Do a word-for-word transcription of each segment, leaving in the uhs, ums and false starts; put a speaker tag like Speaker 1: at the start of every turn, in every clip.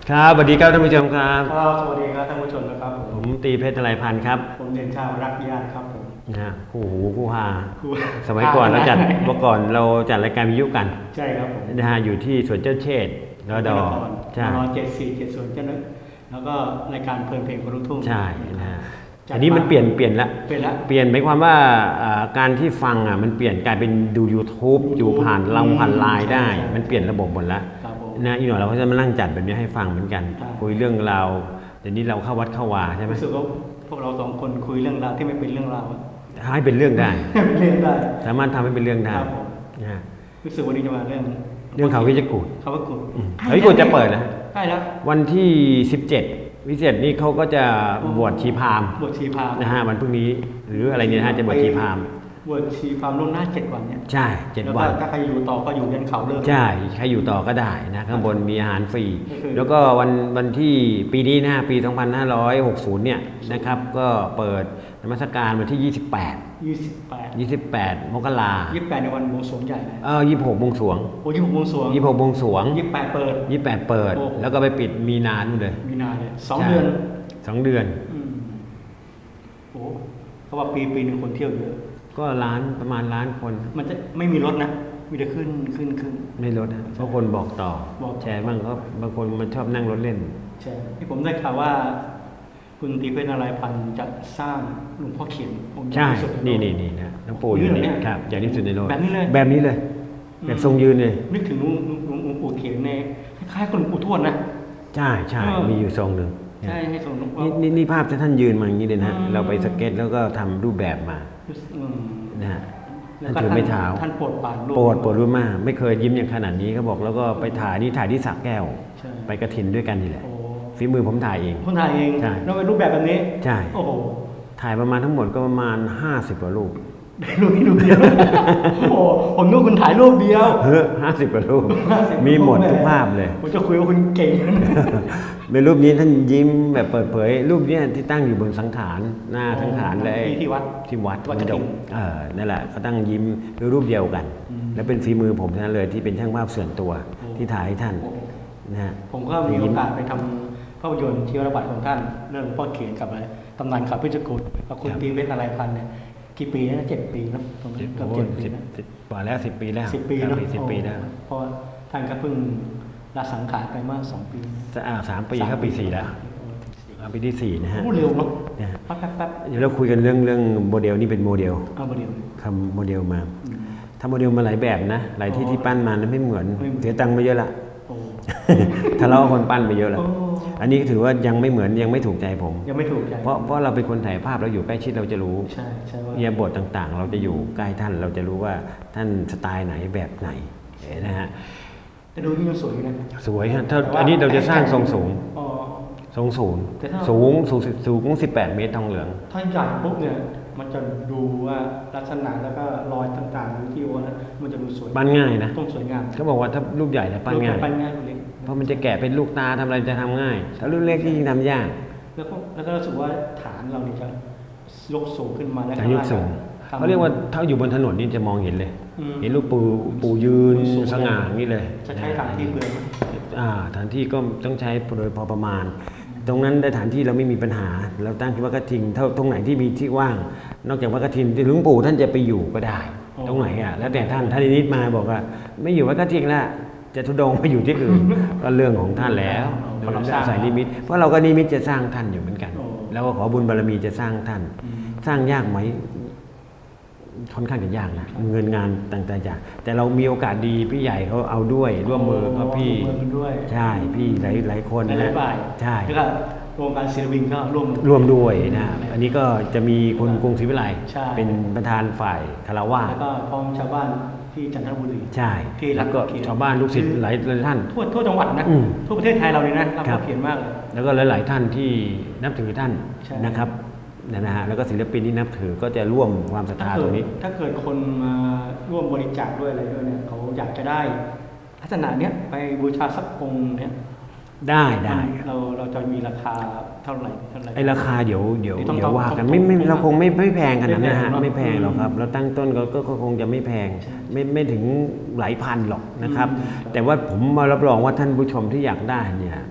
Speaker 1: ครับสวัสดีครับท่านผู้ชมครับ
Speaker 2: ครับสวัสดีครับท่านผู้ชมนะครับผม
Speaker 1: ผมตีเพชรไตรพันธ์ครับ
Speaker 2: ผมเด่นชาวรักญาติครับผม
Speaker 1: นะฮะคู่หูคู่ฮา
Speaker 2: ครู
Speaker 1: สมัยก่อนเราจัดเมื่อก่อนเราจัดรายการวิทยุกัน
Speaker 2: ใช่ครับผม
Speaker 1: นะฮะอยู่ที่สวนเจ้าเชษฐ์รอดอใช่
Speaker 2: รอเจ็ดสี่เจ็ดศูนย์เจ้านึกแล้วก็รายการเพลินเพลงคนลูกทุ่ง
Speaker 1: ใช่นะฮะอันนี้มันเปลี่ยนเปลี่ยนละ
Speaker 2: เปลี่ยนละ
Speaker 1: เปลี่ยนหมายความว่าการที่ฟังอ่ะมันเปลี่ยนกลายเป็นดู YouTube อยู่ผ่านเราผ่านไลน์ได้มันเปลี่ยนระบบหมดแล้วนะอีกหน่อยเราก็จะมานั่งจัดแบบนี้ให้ฟังเหมือนกันคุยเรื่องราวเดี๋ยวนี้เราเข้าวัดเข้าวาใช่ไหม
Speaker 2: รู้สึกว่าพวกเราสองคนคุยเรื่องราวที่ไม่เป็นเรื่องราว
Speaker 1: ให้เป็นเรื่องได้
Speaker 2: เป็นเรื่องได้
Speaker 1: สามารถทำให้เป็นเรื่องได้
Speaker 2: นะรู้สึกวันนี้จะมาเรื่อง
Speaker 1: เรื่องเขาวิจิตรกูฏ
Speaker 2: เขาวิจิตรกูฏ
Speaker 1: เขาวิจิตรกูฏจะเปิดแล้ว
Speaker 2: ใช่แล้ว
Speaker 1: วันที่สิบเจ็ดวิเศษนี่เขาก็จะบวชชีพราหมณ์
Speaker 2: บวชชีพราหมณ์
Speaker 1: นะฮะวันพรุ่งนี้หรืออะไรเนี่ยฮะจะบวชชีพราหมณ์
Speaker 2: บวชชีพราหมณ์ล่วงหน้าเจ็ดวันเนี่ย
Speaker 1: ใช่เจ็ดวัน
Speaker 2: ถ้าใครอยู่ต่อก็อยู่ยันเขาเลิก
Speaker 1: ใช่ใครอยู่ต่อก็ได้นะข้างบนมีอาหารฟรีแล้วก็วันวันที่ปีนี้นะปีสองพันห้าร้อยหกสิบเนี่ยนะครับก็เปิดนมัสการวันที่ยี่สิบแปด
Speaker 2: ยี่สิบแปด
Speaker 1: ยี่สิบแปดมกรา
Speaker 2: ยี่สิบแปดในวันบวงสรวงใหญ่เลย
Speaker 1: เออยี่สิบหกบวงสรวง
Speaker 2: โอ้ยี่สิบหกบวงสรวง
Speaker 1: ยี่สิบหกบวงสรวง
Speaker 2: ยี่สิบแปดเปิด
Speaker 1: ยี่สิบแปดเปิดแล้วก็ไปปิดมีนานู่นเลย
Speaker 2: มีนาเลยสองเดือน
Speaker 1: สองเดือน
Speaker 2: โอ้เขาว่าปีปีหนึ่งคนเที่ยวเยอะ
Speaker 1: ก็ล้านประมาณล้านคน
Speaker 2: มันจะไม่มีรถนะมีแต่ขึ้นขึ้นขึ้น
Speaker 1: ไม่รถนะเพราะคนบอกต่อแชร์บ้างก็บางคนมันชอบนั่งรถเล่น
Speaker 2: ใช่ที่ผมได้ข่าวว่าคุณตีเพชรนารายพันธ์จะสร้างหลวงพ่อเขียนองค์
Speaker 1: ใช่นี่นี่นี่นะหลวงปู่อยู่นี่ครับใหญ่ที่สุดในโลก
Speaker 2: แบบนี้เลย
Speaker 1: แบบนี้เลยแบบทรงยืนเลย
Speaker 2: นึกถึงหลวงปู่เขียนในคล้ายๆกับหลวงปู่ทวดนะ
Speaker 1: ใช่ใช่มีอยู่ทรงหนึ่ง
Speaker 2: ใช่ให้ทรง
Speaker 1: นี่นี่ภาพที่ท่านยืนมาอย่างนี้เลยนะเราไปสเก็ตแล้วก็ทำรูปแบบมานะฮะท่านถือไม้เท้า
Speaker 2: ท่านโปรดปราน
Speaker 1: โปรดโปรดรู้มากไม่เคยยิ้มอย่างขนาดนี้เขาบอกแล้วก็ไปถ่ายนี่ถ่ายที่สระแก้วไปกระถินด้วยกันนี่แหละฝีมือผมถ่ายเอง
Speaker 2: ผมถ่ายเอง
Speaker 1: ใช่
Speaker 2: แล้วเป็นรูปแบบแบบนี้
Speaker 1: ใช่
Speaker 2: โอ้โห
Speaker 1: ถ่ายประมาณทั้งหมดก็ประมาณห้าสิบกว่ารูป
Speaker 2: รูปนี้รูปเดียวโอ้ผมนึกคุณถ่ายรูปเดียว
Speaker 1: เฮ้อห้าสิบกว่ารูปมีหมดทุกภาพเลย
Speaker 2: ผมจะคุยว่าคุณเก่ง
Speaker 1: เป็นรูปนี้ท่านยิ้มแบบเปิดเผยรูปนี้ที่ตั้งอยู่บนสังขารหน้าสังขารเลย
Speaker 2: ที่วัด
Speaker 1: ที่วัดวัดจงเออนั่นแหละเขาตั้งยิ้มด้วยรูปเดียวกันและเป็นฝีมือผมทั้งนั้นเลยที่เป็นช่างภาพส่วนตัวที่ถ่ายให้ท่านนะฮะ
Speaker 2: ผมก็มีโอกาสไปทำภาพยนตร์ชีวประวัติของท่านเรื่องพ่อเขียนกับอะไรตำนานข่าวพิจิตรกุฎกับคุณตีเพชรนารายพันธ์เนี่ยกี่ปีนะเจ็ดปีนะตรงนั้นเกือบเจ็ดปีนะ
Speaker 1: กว่าแล้วสิบปีแล้ว
Speaker 2: สิบปีแล้ว
Speaker 1: สิบปีแล้ว
Speaker 2: เพราะท่านก็เพิ่งละสังขารไปเมื่อสองปี
Speaker 1: อ่าสามปีเข้าปีสี่แล้วปีที่สี่นะฮะ
Speaker 2: พูดเร็วเนาะ
Speaker 1: แป๊บๆเดี๋ยวเราคุยกันเรื่องเรื่องโมเดลนี่เป็นโมเดล
Speaker 2: เอาโมเดล
Speaker 1: ทำโมเดลมาทำโมเดลมาหลายแบบนะหลายที่ที่ปั้นมาแล้วไม่เหมือนเสียตังค์ไปเยอะละทะเลาะคนปั้นไปเยอะละอันนี้ถือว่ายังไม่เหมือนยังไม่ถูกใจผม
Speaker 2: ยังไม่ถูกใจ
Speaker 1: เพราะเพราะเราเป็นคนถ่ายภาพเราอยู่ใกล้ชิดเราจะรู้
Speaker 2: ใช่ใช่ว่า
Speaker 1: เนี่ยบทต่างๆเราจะอยู่ใกล้ท่านเราจะรู้ว่าท่านสไตล์ไหนแบบไหนนะฮะ
Speaker 2: แต่ดูนี่ยังสวยนะ
Speaker 1: สวยฮะถ้าอันนี้เราจะสร้างทรงสูงทรงสูงสูงสูงสูงสิบแปดเมตรทองเหลือง
Speaker 2: ถ้าใหญ่ปุ๊บเนี่ยมันจะดูว่าลักษณะแล้วก็รอยต่างๆที่โอนะมันจะดูสวย
Speaker 1: ปั้นง่ายนะ
Speaker 2: ต้องสวยงาม
Speaker 1: เขาบอกว่าถ้ารูปใหญ่เนี่ยปั้นง่าย
Speaker 2: ปั้นง่าย
Speaker 1: เพราะมันจะแกะเป็นลูกตาทำอะไรจะทำง่ายถ้ารุ่นเล็กที่ยิ่งทำยาก
Speaker 2: แล้วก็แล้วก็รู้สึกว่าฐานเราเนี่ยจะยกสูงขึ้นมาแล้ว
Speaker 1: จะยกสูงเขาเรียกว่าถ้าอยู่บนถนนนี่จะมองเห็นเลยเห็นรูปปูปูยืนสง่าอย่างนี้เลย
Speaker 2: จะใช้ฐานที่เปลือย
Speaker 1: อ่าฐานที่ก็ต้องใช้โดยพอประมาณตรงนั้นได้ฐานที่เราไม่มีปัญหาเราตั้งที่วัดกระทิงเท่าตรงไหนที่มีที่ว่างนอกจากวัดกระทิงที่หลวงปู่ท่านจะไปอยู่ก็ได้ตรงไหนอ่ะแล้วแต่ท่านท่านนิดมาบอกว่าไม่อยู่วัดกระทิงแล้วจะทุดงไปอยู่ที่อื่นก็เรื่องของท่านแล้วเราใส่นิมิตเพราะเราก็นิมิตจะสร้างท่านอยู่เหมือนกันแล้วก็ขอบุญบารมีจะสร้างท่านสร้างยากไหมค่อนข้างจะยากนะเงินงานต่างๆแต่เรามีโอกาสดีพี่ใหญ่เขาเอาด้วยร่วมมือกับพี่ใช่พี่หลายหลายคนนะใช่
Speaker 2: แล้วก็โครงการศิลปินก็ร่วม
Speaker 1: ร่วมด้วยนะอันนี้ก็จะมีคุณกรุงศรีวิไลเป็นประธานฝ่ายคารวะ
Speaker 2: แล้วก็พ้องชาวบ้านที่จันทบุรี
Speaker 1: ใช่แล้วก็ชาวบ้านลูกศิษย์หลายท่าน
Speaker 2: ทั่วทั่วจังหวัดนะทั่วประเทศไทยเราเลยนะรับเขียนมากเลย
Speaker 1: แล้วก็หลายๆท่านที่นับถือท่านนะครับนะฮะแล้วก็ศิลปินที่นับถือก็จะร่วมความศรัทธาตรงนี้
Speaker 2: ถ้าเกิดคนมาร่วมบริจาคด้วยอะไรด้วยเนี่ยเขาอยากจะได้ลักษณะเนี้ยไปบูชาสักองค์เนี้ย
Speaker 1: ได้ได้
Speaker 2: เราเราจะมีราคาเท่าไหร่เท่าไหร่
Speaker 1: ไอราคาเดี๋ยวเดี๋ยวเดี๋ยวว่ากันไม่ไม่เราคงไม่ไม่แพงขนาดนั้นนะฮะไม่แพงหรอกครับเราตั้งต้นก็ก็คงจะไม่แพงไม่ไม่ถึงหลายพันหรอกนะครับแต่ว่าผมมารับรองว่าท่านผู้ชมที่อยากได้เนี่ย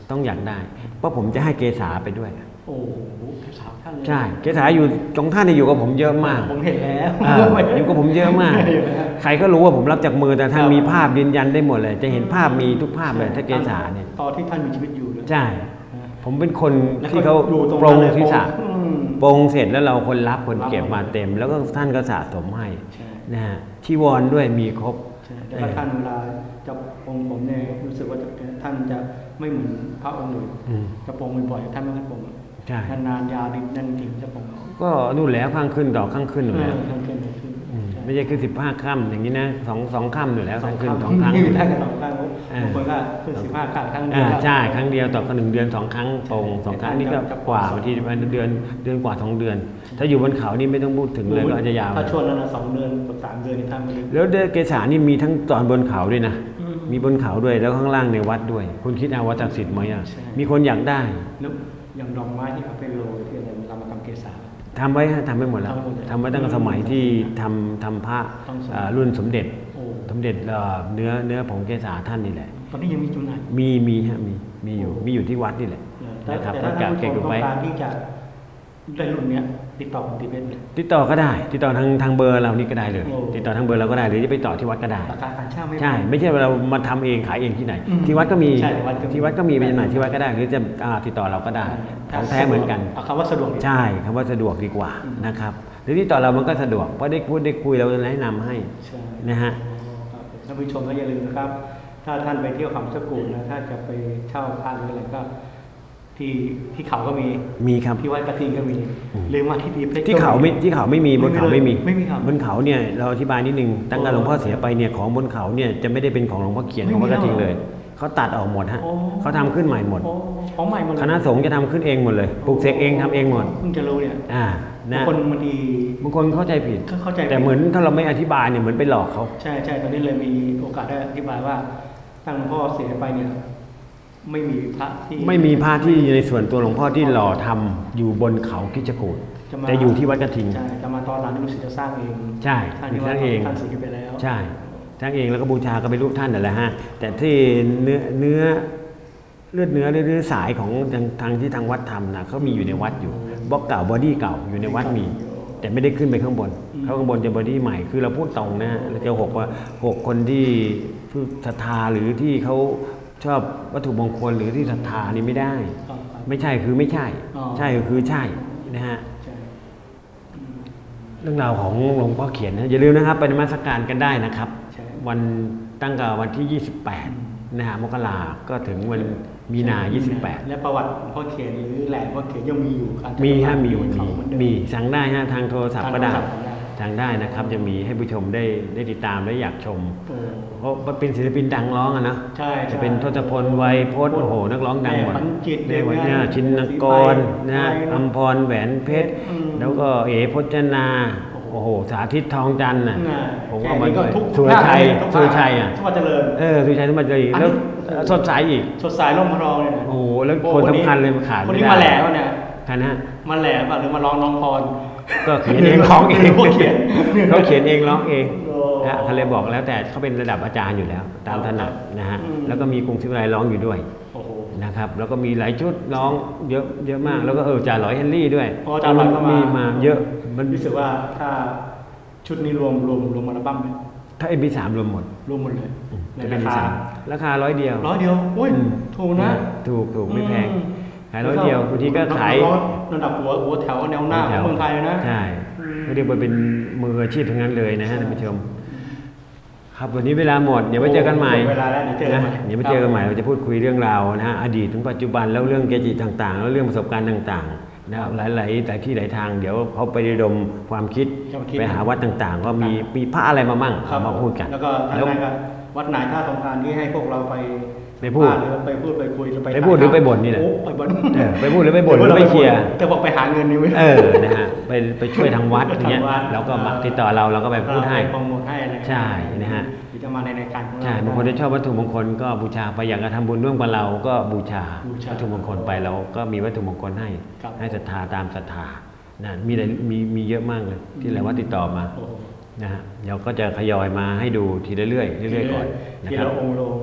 Speaker 1: ต้องอยากได้ เพราะผมจะให้เกษาไปด้วย
Speaker 2: โอ้โหแค่สามท่านเลย
Speaker 1: ใช่เกษาอยู่ตรงท่านเนี่ยอยู่กับผมเยอะมาก
Speaker 2: ผมเห็นแล้ว
Speaker 1: อ่าอยู่กับผมเยอะมาก
Speaker 2: เห็นแล้ว
Speaker 1: ใครก็รู้ว่าผมรับจากมือแต่ท่าน
Speaker 2: ครับ
Speaker 1: มีภาพยืนยันได้หมดเลย จะเห็นภาพมีทุกภาพเลยถ้าเกษาเนี่ย
Speaker 2: ตอนที่ท่านมีชีวิตอยู่เลย
Speaker 1: ใช่ ผมเป็นคน
Speaker 2: แล้ว
Speaker 1: ที่เขา
Speaker 2: อยู่ตรง
Speaker 1: ปร
Speaker 2: นั้น
Speaker 1: ง
Speaker 2: เลย
Speaker 1: ศีรษะ
Speaker 2: อืม
Speaker 1: ปรงเสร็จแล้วเราคนรับคนเก็บ
Speaker 2: รับหมด
Speaker 1: มาเต็ม แล้วก็ท่านก็สะสมให้
Speaker 2: ใช่
Speaker 1: นะฮะชีวรด้วยมีครบ
Speaker 2: ใช่แล้วก็ท่านเวลาจะปรงผมเนี่ยรู้สึกว่าจะท่านจะไม่เหมือนพระองค์อื่น
Speaker 1: อืม
Speaker 2: จะปรงบ่อยๆท่านไม่ค่อยปรง
Speaker 1: ใช่
Speaker 2: นานๆยาวดิบนั่นจริงจะปรง
Speaker 1: ก็นู่นแล้วข้างขึ้นต่อข้างขึ้นอยู่
Speaker 2: เอ
Speaker 1: แล้ว
Speaker 2: อท่านขึ้นขึ้น
Speaker 1: อืม
Speaker 2: ใช่
Speaker 1: ไม่ใช่คือสิบห้าค่ำอย่างนี้นะสองสองค่ำอยู่แล้ว
Speaker 2: สอ
Speaker 1: ข้าง งขึ้น
Speaker 2: ครั้ง
Speaker 1: สองครั้ง
Speaker 2: ท่านก็สองครั้ง
Speaker 1: อ่า
Speaker 2: บางคนก็ขึ้นสิบห้าครั้งครั้งเดี
Speaker 1: อ่า
Speaker 2: ยว
Speaker 1: ใช่ครั้งเดียวต่อหนึ่งเดือนสองครั้งปรงสองครั้งนี่ก็กว่าบางทีเดือนเดือนกว่าสองเดือน ถ้าอยู่บนเขานี่ไม่ต้องพูดถึงเลยก็อาจจะยาว
Speaker 2: ถ้าช่วงนั้นนะสองเดือนกับสามเดือนนี่ท่านไม่ได้
Speaker 1: แล้วเกษานี่มีทั้งตอนบนเขาด้วยนะ
Speaker 2: อืม
Speaker 1: มีบนเขาด้วยแล้วข้างล่างในวัดด้วย คุณคิดเอาว่าศักดิ์สิทธิ์ไหมอ่ะ
Speaker 2: ใช่
Speaker 1: มีคนอยากได้
Speaker 2: แล้วอย่างดอกไม้ที่เอาไปโรยที่อะไรเรามาทำเกสา
Speaker 1: ทำไว้ฮะทำไว้หมดแล้ว
Speaker 2: ทำไว้หมดเลย
Speaker 1: ทำไว้ตั้งแต่สมัยที่ทำทำพระ
Speaker 2: ต้องสมัย
Speaker 1: อ่ารุ่นสมเด็จ
Speaker 2: โอ้
Speaker 1: สมเด็จเอ่อเนื้อเนื้อผงเกษาท่านนี่แหละ
Speaker 2: ตอนนี้ยังมีจำหน่าย
Speaker 1: มีมีฮะมีมีอยู่มีอยู่ที่วัดนี่แหละ
Speaker 2: แต่
Speaker 1: นะครับ
Speaker 2: แต่
Speaker 1: ก็
Speaker 2: ถ้า
Speaker 1: เก็บ
Speaker 2: ท่านผู้ช
Speaker 1: เก็บ
Speaker 2: มต้อ
Speaker 1: ไว้
Speaker 2: งการที่จะได้รุ่นเนี้ยติดต่อคุณติเพชรเลย
Speaker 1: ติดต่อก็ได้ ติดต่อทางทางเบอร์เรานี่ก็ได้เลย
Speaker 2: โอ้
Speaker 1: ติดต่อทางเบอร์เราก็ได้หรือจะไปต่อที่วัดก็ได้
Speaker 2: ราคาการเช่าไม่
Speaker 1: ใช่ ไม่ใช่ว่าเรามาทำเองขายเองที่ไหน
Speaker 2: อืม
Speaker 1: ที่วัดก็มี
Speaker 2: ใช่วัดก็มี
Speaker 1: ที่วัดก็มีไปจำหน่ายที่วัดก็ได้ หรือจะอ่าติดต่อเราก็ได้ของแท้เหมือนกัน
Speaker 2: เอาคำว่าสะดวกดี
Speaker 1: ใช่คำว่าสะดวกดีกว่า
Speaker 2: อืม
Speaker 1: นะครับหรือที่ต่อเรามันก็สะดวกเพราะได้พูดได้คุยเราแนะนำให้
Speaker 2: ใช่
Speaker 1: นะฮะ
Speaker 2: ครับท่านผู้ชมก็อย่าลืมนะครับ ถ้าท่านไปเที่ยวเขาสกูลนะถ้าจะไปเช่าพระหรืออะไรก็ ที่ที่เขาก็มี
Speaker 1: มีครับ
Speaker 2: ที่วัดกระทิงก็มี
Speaker 1: อืม
Speaker 2: หรือมาที่ตีเพชร
Speaker 1: ที่เขาไม่ที่เขาไม่มีบนเขาไม่มี
Speaker 2: ไม่มีครับ
Speaker 1: บนเขาเนี่ยเราอธิบายนิดนึงตั้งแต่หลวงพ่อเสียไปเนี่ยของบนเขาเนี่ยจะไม่ได้เป็นของหลวงพ่อเขียนของวัดกระทิงเลยเขาตัดออกหมดฮะ
Speaker 2: โอ้
Speaker 1: เขาทำขึ้นใหม่หมด
Speaker 2: โอ้ของใหม่หมดเลย
Speaker 1: คณะสงฆ์จะทำขึ้นเองหมดเลยปลูกเสกเองทำเองหมด
Speaker 2: เพิ่งจะรู้เนี่ย
Speaker 1: อ่า
Speaker 2: บาง
Speaker 1: นะ
Speaker 2: คนบางที
Speaker 1: บางคนเข้าใจผิด
Speaker 2: ก็เข้าใจ
Speaker 1: แต่เหมือนถ้าเราไม่อธิบายเนี่ยเหมือนไปหลอกเขา
Speaker 2: ใช่ใช่ตอนนี้เลยมีโอกาสได้อธิบายว่าตั้งหลวงพ่อเสียไปเนี่ย ไม่มีพระที่
Speaker 1: ไม่มีพระที่ในส่วนตัวหลวงพ่อที่หล่อทำอยู่บนเขาคิจกูฏ
Speaker 2: จะมา
Speaker 1: แต่อยู่ที่วัดกระทิง
Speaker 2: ใช่จะมาตอนหลังนี่รู้สึกจะสร้างเอง
Speaker 1: ใช่
Speaker 2: ท่าน
Speaker 1: มี
Speaker 2: ที่ว่า
Speaker 1: ท่านเอง
Speaker 2: ท่านเสียไปแล้ว
Speaker 1: ใช่สร้างเองแล้วก็บูชาก็ไปรูปท่านนั่นแหละฮะแต่ที่เนื้อเนื้อเลือดเนื้อเลือดเนื้อสายของทางทางที่ทางวัดทำนะเขามีอยู่ในวัดอยู่บล็อกเก่าบอดี้เก่าอยู่ในวัดมี แต่ไม่ได้ขึ้นไปข้างบนเขาข้างบนจะบอดี้ใหม่คือเราพูดตรงนะฮะเราจะหกว่าหกคนที่ผู้ศรัทธาหรือที่เขาชอบวัตถุมงคลหรือที่ศรัทธานี่ไม่ได้
Speaker 2: ครับ
Speaker 1: ไม่ใช่คือไม่ใช่
Speaker 2: อ๋อ
Speaker 1: ใช่ก็คือใช่นะฮะ
Speaker 2: ใช่อืม
Speaker 1: เรื่องราวของหลวงพ่อเขียนนะอย่าลืมนะครับไปนมัสการกันได้นะครับ
Speaker 2: ใช่
Speaker 1: วันตั้งแต่วันที่ ยี่สิบแปด นะฮะมกราก็ถึงวันมีนา ยี่สิบแปด
Speaker 2: และประวัติหลวงพ่อเขียนหรือแหล่งหลวงพ่อเขียนยังมีอยู่การ
Speaker 1: มีฮะมี
Speaker 2: บน
Speaker 1: มี
Speaker 2: เขาเหมือนเดิ
Speaker 1: มีสั่งได้ฮะทางโทรศัพท์ก็ได้
Speaker 2: ทางโทรศัพท์ก็ได้
Speaker 1: สั่งได้นะครับจะมีให้ผู้ชมได้ได้ติดตามและอยากชม
Speaker 2: โอ้
Speaker 1: เพราะว่าเป็นศิลปินดังร้องอะนะ
Speaker 2: ใช่ใช่
Speaker 1: จะเป็นทศพลไวยพจน์โอ้โหนักร้องดังหมด
Speaker 2: แม่ขวัญจิต
Speaker 1: ในวัน
Speaker 2: เด็
Speaker 1: นี้
Speaker 2: กงาน
Speaker 1: ชินกรนะฮะ
Speaker 2: สีไฟ
Speaker 1: อัมพรแหวนเพชร
Speaker 2: อืม
Speaker 1: แล้วก็เอ๋พจนา โอ้โหสาธิตทองจันทร์น่ะ
Speaker 2: น่ะ
Speaker 1: ผมเอามา
Speaker 2: แค่นี้ก็
Speaker 1: ด้วย
Speaker 2: ทุก
Speaker 1: สุรชัย
Speaker 2: ทุกภาค
Speaker 1: สุรชัยอ่ะ
Speaker 2: ทุกภาคเจริญ
Speaker 1: เออสุรชัยสมบัติเลย
Speaker 2: อันนี้
Speaker 1: แล้วสดใสอีก
Speaker 2: สดใสร่มพระรองเนี่ยนะ
Speaker 1: โอ้โหแล้วคนสำคัญเลยมาขาด
Speaker 2: คน
Speaker 1: ไม่
Speaker 2: นี้
Speaker 1: ได้
Speaker 2: มาแหล่วะเนี่ย
Speaker 1: ใครนะ
Speaker 2: มาแหล่ป่ะหรือมาร้องน้องพร
Speaker 1: ก็เขียนเองร้องเอง
Speaker 2: พวกเขียน
Speaker 1: เขาเขียนเองร้องเอง
Speaker 2: โอ้
Speaker 1: นะฮะเขาเลยบอกแล้วแต่เขาเป็นระดับอาจารย์อยู่แล้ว ตามถนัดนะฮะ
Speaker 2: อืม
Speaker 1: แล้วก็มีกรุงศรีวิไลร้องอยู่ด้วย
Speaker 2: โอ้โห
Speaker 1: นะครับแล้วก็มีหลายชุดร้องเยอะเยอะมากแล้วก็เออจ่าหลอยเฮนรี่ด้วย
Speaker 2: อ๋อจ่าหลอยก็มามี
Speaker 1: มาเยอะมัน
Speaker 2: รู้สึกว่าถ้าชุดนี้รวมรวมรวมอัลบั้มไหม
Speaker 1: ถ้าเอ็มพีสามรวมหมด
Speaker 2: รวมหมดเลยใน
Speaker 1: จะเป็
Speaker 2: ราน คา
Speaker 1: สามราคาร้อยเดียว
Speaker 2: ร้อยเดียวโอ้ย
Speaker 1: อืม
Speaker 2: ถูกนะ
Speaker 1: ถูกถูกไม่แพง
Speaker 2: อืม
Speaker 1: ขายร้อยเดียวบางทีก็ขาย
Speaker 2: ระดับหัวหัวแถวแนวหน้าของเมืองไทยเลยนะ
Speaker 1: ใช่
Speaker 2: อืม
Speaker 1: ก็เรียกว่าเป็นมืออาชีพทั้งนั้นเลยนะฮะท่านผู้ชม ครับวันนี้เวลาหมดเดี๋ยวไปเจอกันใหม่
Speaker 2: เวลาแล้วเดี๋ยวเจอกัน
Speaker 1: นะ
Speaker 2: ใหม่
Speaker 1: เดี๋ยวไปเจอกันใหม่เราจะพูดคุยเรื่องราวนะฮะอดีตถึงปัจจุบันแล้วเรื่องเกจิต่างๆ แล้วเรื่องประสบการณ์ต่างๆนะครับหลายๆแต่ที่หลายทางเดี๋ยวเขาไประดมความคิด
Speaker 2: จะมาคิด
Speaker 1: ไปหาวัดต่างๆ ก็มีมีพระอะไรมามั่ง
Speaker 2: ครับ
Speaker 1: เอามาพูดกัน
Speaker 2: แล้วก็ท่าน
Speaker 1: แล้ว
Speaker 2: นายก็วัดไหนถ้าต้องการที่ให้พวกเราไป
Speaker 1: ไปพูด
Speaker 2: หรือไปพูดไปคุยหรือไป
Speaker 1: ไปพูดหรือไปบ่นนี่แหละ
Speaker 2: โอ้ไปบ่น
Speaker 1: เออไปพูดหรือไปบ่นหรือไปเชียร์
Speaker 2: จะบอกไปหาเงินนี่ไม่
Speaker 1: เออนะฮะไปไปช่วยทางวัดอย่างเงี้ย
Speaker 2: ทางวัด
Speaker 1: แล้วก็มาติดต่อเราเราก็ไปพูดให้
Speaker 2: โปรโมทให้อะไร
Speaker 1: ใช่นะฮะ
Speaker 2: หรือจะมาในรายการของเรา
Speaker 1: ใช่บางคนที่ชอบวัตถุมงคลก็บูชาไปอยากจะทำบุญร่วมกับเราก็บูชา
Speaker 2: บูชา
Speaker 1: วัตถุมงคลไปเราก็มีวัตถุมงคลให้
Speaker 2: ครับ
Speaker 1: ให้ศรัทธาตามศรัทธานะมีอะไรมีมีเยอะมากเลยที่หลายวัดติดต่อมา
Speaker 2: โอ้โห
Speaker 1: นะฮะเดี๋ยวก็จะทยอยมาให้ดูทีละเรื่อยๆเรื่อยๆก่อนนะ
Speaker 2: ที
Speaker 1: ครับ
Speaker 2: ละองค์โล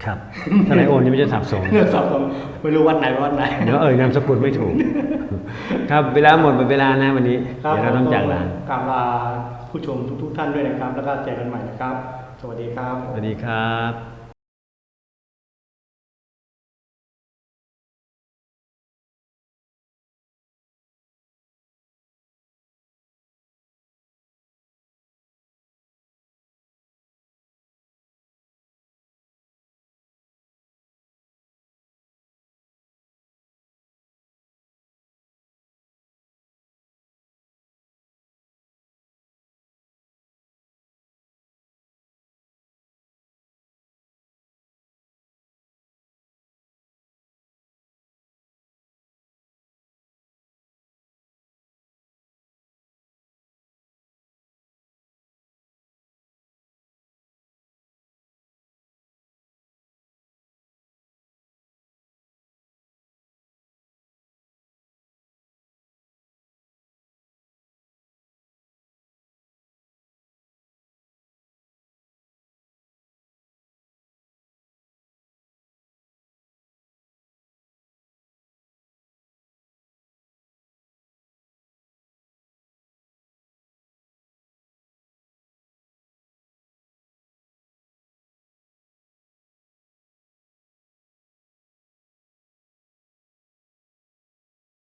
Speaker 1: ครับถ้าไหนโอนนี่ไม่จะสับสน
Speaker 2: เรื่องสอบผมไม่รู้วัดไหนวัดไหน
Speaker 1: เดี๋ยวเอ่ยนามสกุลไม่ถูก ครับเวลาหมดหมดเวลานะวันนี้
Speaker 2: ครับ
Speaker 1: เดี๋ยวเราต้องจากลา
Speaker 2: กราบลาผู้ชมทุกๆท่านด้วยนะครับ แล้วก็เจอกันใหม่นะครับ สวัสดีครับ
Speaker 1: สวัสดีครับ